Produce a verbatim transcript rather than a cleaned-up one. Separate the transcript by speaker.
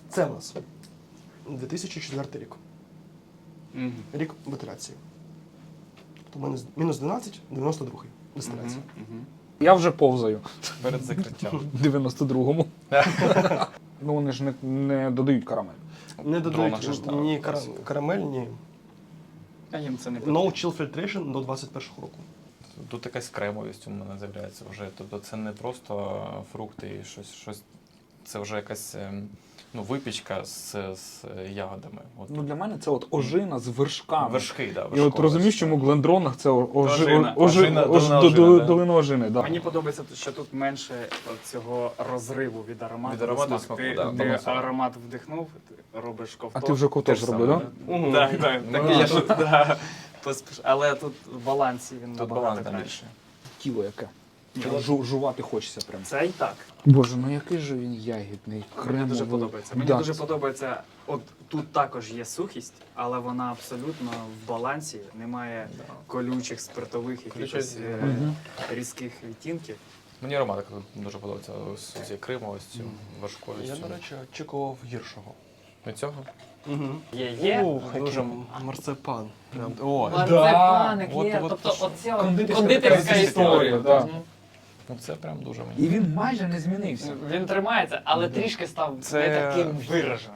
Speaker 1: Це в нас дві тисячі четвертий рік.
Speaker 2: Мгм.
Speaker 1: Рік бутиляції. Тобто мінус- мінус дванадцять, дев'яносто другий дистиляція.
Speaker 2: Мгм. Мгм.
Speaker 3: Я вже повзаю
Speaker 2: Перед закриттям.
Speaker 3: в дев'яносто другому. Ну вони ж не, не додають карамель.
Speaker 1: Не
Speaker 2: Дрона ж
Speaker 1: додають
Speaker 2: там
Speaker 1: ні
Speaker 2: класика.
Speaker 1: кара- карамель, ні.
Speaker 2: А їм це не
Speaker 1: No
Speaker 2: потрібно.
Speaker 1: chill filtration до двадцять першого року.
Speaker 2: Тут якась кремовість у мене з'являється вже. Тобто це не просто фрукти і щось, щось. Це вже якась ем, ну, випічка з, з ягодами. От.
Speaker 3: Ну для мене це от ожина з вершками.
Speaker 2: Вершки, да,
Speaker 3: І от
Speaker 2: вершкове,
Speaker 3: розумієш,
Speaker 2: так.
Speaker 3: чому в Глендронах це ожи,
Speaker 2: Ожина.
Speaker 3: ожи,
Speaker 2: Ожина,
Speaker 3: ож-
Speaker 2: долина
Speaker 3: до-
Speaker 2: ожини,
Speaker 3: до-
Speaker 2: да.
Speaker 3: долина ожини. Да.
Speaker 4: Мені подобається, що тут менше цього розриву від аромату.
Speaker 2: Від аромату
Speaker 4: до
Speaker 2: до смаку,
Speaker 4: Ти,
Speaker 2: да,
Speaker 4: ти
Speaker 2: балансово.
Speaker 4: аромат вдихнув, ти робиш ковток.
Speaker 3: А ти вже ковток
Speaker 2: Те ж
Speaker 3: зробив,
Speaker 2: саме,
Speaker 3: так?
Speaker 2: да?
Speaker 1: Мгм.
Speaker 4: Так, так,
Speaker 2: Ну,
Speaker 4: так.
Speaker 2: да.
Speaker 4: Я тут, да, поспіш- Але тут в балансі він
Speaker 2: Тут
Speaker 4: набагато
Speaker 2: баланс там
Speaker 4: краще.
Speaker 2: більше.
Speaker 3: Тіло яке.
Speaker 4: Ні,
Speaker 3: Жу, жувати хочеться прям.
Speaker 4: Це і так.
Speaker 3: Боже, ну який же він ягідний, кремовий.
Speaker 4: Мені дуже подобається. Мені
Speaker 3: Да.
Speaker 4: дуже подобається, от тут також є сухість, але вона абсолютно в балансі, немає
Speaker 2: Да.
Speaker 4: колючих, спиртових, якихось
Speaker 2: Ключові.
Speaker 4: е,
Speaker 3: Мгм.
Speaker 4: різких відтінків.
Speaker 2: Мені ароматика тут дуже подобається з цією кремовістю, важкою.
Speaker 1: Я, до речі, очікував гіршого.
Speaker 2: Від цього?
Speaker 1: Угу.
Speaker 4: Є, є.
Speaker 1: Ух,
Speaker 2: дуже-
Speaker 1: дуже марципан. Прям. О,
Speaker 4: Марципаник
Speaker 2: От-
Speaker 4: є,
Speaker 2: от
Speaker 4: тобто
Speaker 2: що.
Speaker 4: оця
Speaker 3: Кондитерська
Speaker 4: кондитерська
Speaker 3: така історія,
Speaker 4: історія.
Speaker 3: да.
Speaker 4: Мгм.
Speaker 2: Ну це прям дуже мені.
Speaker 3: І він майже не змінився.
Speaker 4: Він тримається, але трішки став
Speaker 2: Це-
Speaker 4: не таким вираженим.